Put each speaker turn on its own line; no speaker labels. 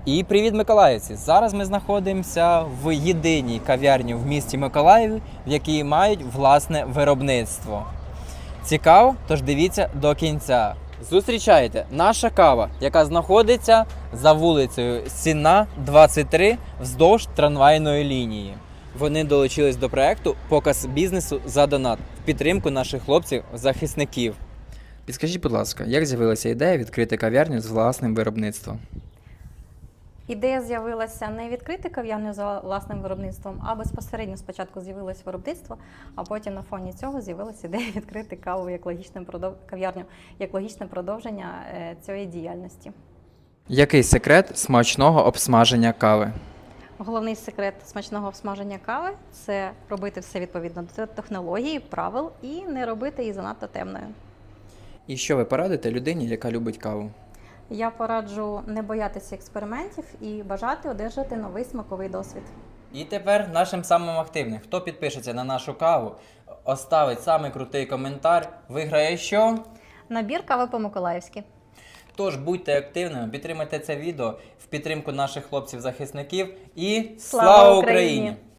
І привіт, миколаївці! Зараз ми знаходимося в єдиній кав'ярні в місті Миколаєві, в якій мають власне виробництво. Цікаво? Тож дивіться до кінця. Зустрічайте, наша кава, яка знаходиться за вулицею Сінна, 23, вздовж трамвайної лінії. Вони долучились до проекту «Показ бізнесу за донат» в підтримку наших хлопців-захисників. Підскажіть, будь ласка, як з'явилася ідея відкрити кав'ярню з власним виробництвом?
Ідея з'явилася не відкрити кав'ярню за власним виробництвом, а безпосередньо спочатку з'явилось виробництво, а потім на фоні цього з'явилася ідея відкрити кав'ярню як логічне продовження цієї діяльності.
Який секрет смачного обсмаження кави?
Головний секрет смачного обсмаження кави – це робити все відповідно до технології, правил і не робити її занадто темною.
І що ви порадите людині, яка любить каву?
Я пораджу не боятися експериментів і бажати одержати новий смаковий досвід.
І тепер нашим самим активним. Хто підпишеться на нашу каву, оставить самий крутий коментар, виграє що?
Набір кави по-миколаївськи.
Тож будьте активними, підтримайте це відео в підтримку наших хлопців-захисників і слава Україні!